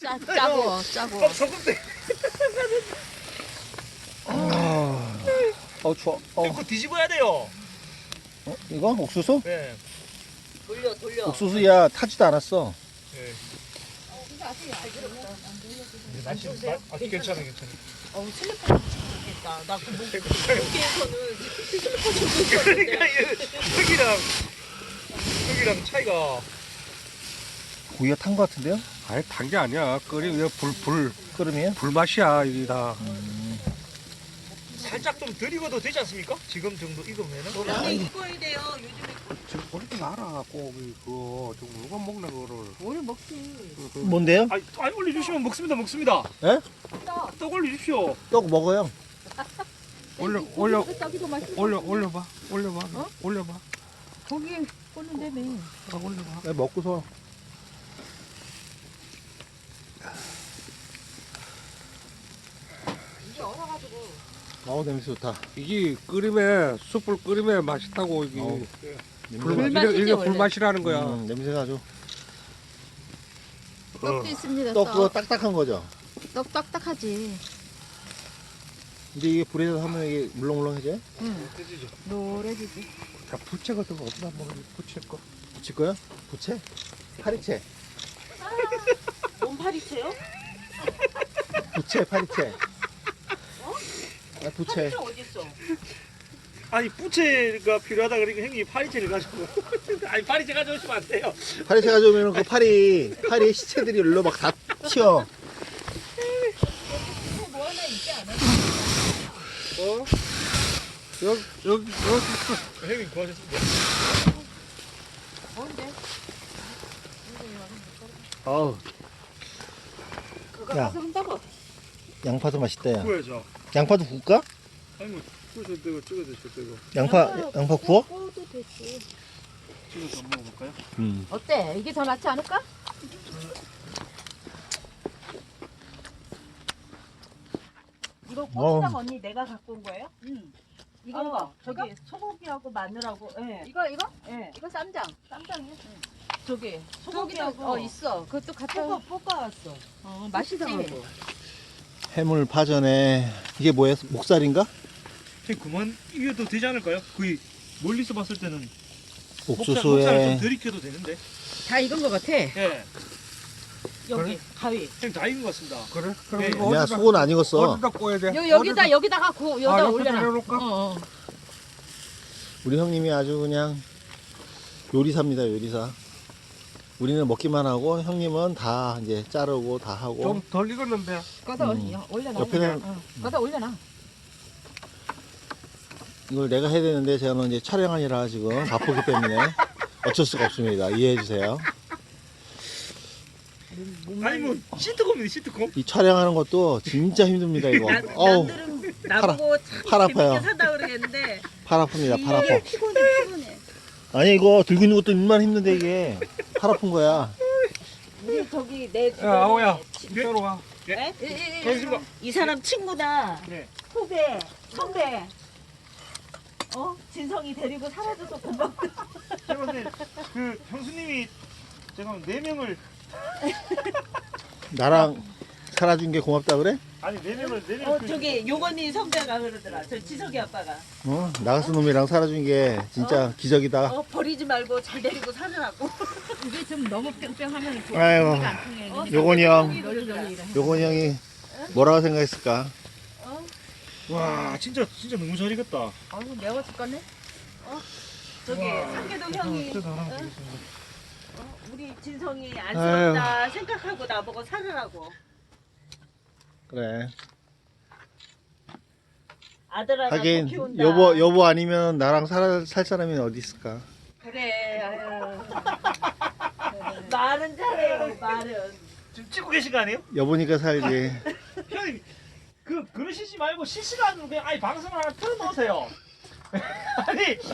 짜고. 소금대. 추워. 이거 뒤집어야 돼요. 이거 옥수수? 네. 돌려. 옥수수야 타지도 않았어. 네. 맛이 괜찮아. 슬리퍼 좋겠다. 나 그 목에서는 슬리퍼 좀 그러니까 여기랑 차이가. 고기가 탄 것 같은데요? 아니 탄 게 아니야. 끓이면 끓으면? 불맛이야 이게 다. 살짝 좀 덜 익어도 되지 않습니까? 지금 정도 익으면은. 많이 익어야 돼요. 요즘에 지금 버리지 마라. 고기 그거 저 누가 먹나 그거를. 뭘 먹지? 뭔데요? 아니 올려주시면 먹습니다. 예? 떡 올려주십시오. 떡 먹어요. 올려봐. 어? 올려봐. 거기 꽂는다며. 올려봐. 네, 먹고서. 이게 얼어가지고. 냄새 좋다. 이게 끓이면 숯불 끓이면 맛있다고 이게. 불맛이지, 이게 원래. 불맛이라는 거야. 냄새가 아주. 떡도 있습니다. 떡 그거 딱딱한 거죠? 떡 딱딱하지. 근데 이게 불에서 하면 이게 물렁물렁해져요? 응. 노래지지. 자, 부채 같은 거 없나 뭐 부채 거. 부칠 거야? 부채? 파리채? 뭔 파리채요? 부채, 파리채. 부채. 어디 있어? 아니 부채가 필요하다 그러니까 형님 파리채를 가지고. 아니 파리채 가져오시면 안 돼요. 파리채 가져오면 그 파리 시체들이 일로 막 다 튀어. 뭐 하나 있지 않아? 여기 형님 구하셨습니다. 뭔데? 어우, 그거 야. 가서 한다고. 양파도 맛있다, 야. 구워야죠. 양파도 구울까? 아니 뭐 구워서 이거 찍어 드실 때고 양파 구워? 구워도 되지. 찍어서 한번 먹어볼까요? 어때? 이게 더 낫지 않을까? 이거 어우. 고추장 언니 내가 갖고 온 거예요? 응. 이거 저기 소고기하고 마늘하고 예. 이거? 예. 이거 쌈장. 쌈장이요? 저기 소고기하고 있어. 그것도 갖다. 볶아왔어. 맛있지. 고추장하고. 해물 파전에 이게 뭐야? 목살인가? 형님 그만 이겨도 되지 않을까요? 거의 멀리서 봤을 때는 목살을 옥수수에 좀 덜 익혀도 되는데. 다 익은 것 같아. 예. 여기 가위. 형님 다 익은 것 같습니다. 그래? 그럼 네. 이거 야, 속은 안 익었어. 어디다 구워야 돼? 여기다가 여기다 옆에 올려놔. 내려놓을까? 우리 형님이 아주 그냥 요리사입니다, 요리사. 우리는 먹기만 하고 형님은 다 이제 자르고 다 하고. 좀 덜 익었는데. 거기다 올려놔. 옆에는 거기다 올려놔. 이걸 내가 해야 되는데 저는 이제 촬영하느라 지금 바쁘기 때문에 어쩔 수가 없습니다. 이해해 주세요. 아니 뭐 시트콤이네 시트콤. 이 촬영하는 것도 진짜 힘듭니다, 이거. 어우, 남들은 나보고 참 팔 아파요. 재밌게 산다 그러겠는데 팔 아픕니다, 팔 아파. 피곤해. 아니, 이거 들고 있는 것도 얼마나 힘든데 이게 팔 아픈 거야. 우리 저기 내 야, 아오야. 이따로 와. 네? 고맙습니다. 이 사람 친구다. 네. 후배, 선배. 진성이 데리고 사라져서 고맙다. 제가 근데 그 형수님이 제가 4명을 나랑 살아준 게 고맙다 그래? 아니 4명을 저기 용언니 선배가 그러더라. 저 지석이 아빠가. 나가스 놈이랑 살아준 게 진짜 기적이다. 버리지 말고 잘 데리고 살으라고. 이게 좀 너무 뺑뺑하면 아이고, 요건이 형, 널널이 요건이 형이 뭐라고 생각했을까? 와 진짜 너무 잘 익었다. 아이고 매워 죽겠네. 저기 상계동 형이 하나 우리 진성이 안쓰럽다 생각하고 나보고 살으라고. 그래. 아들 하나 더 하긴 키운다. 여보 아니면 나랑 살 사람이 어디 있을까? 그래. 아유. 말은 잘해요. 말은. 지금 찍고 계신 거 아니에요? 여보니까 살지. 형님 그러시지 말고 실시간으로 그냥 아니 방송을 하나 틀어놓으세요. 아니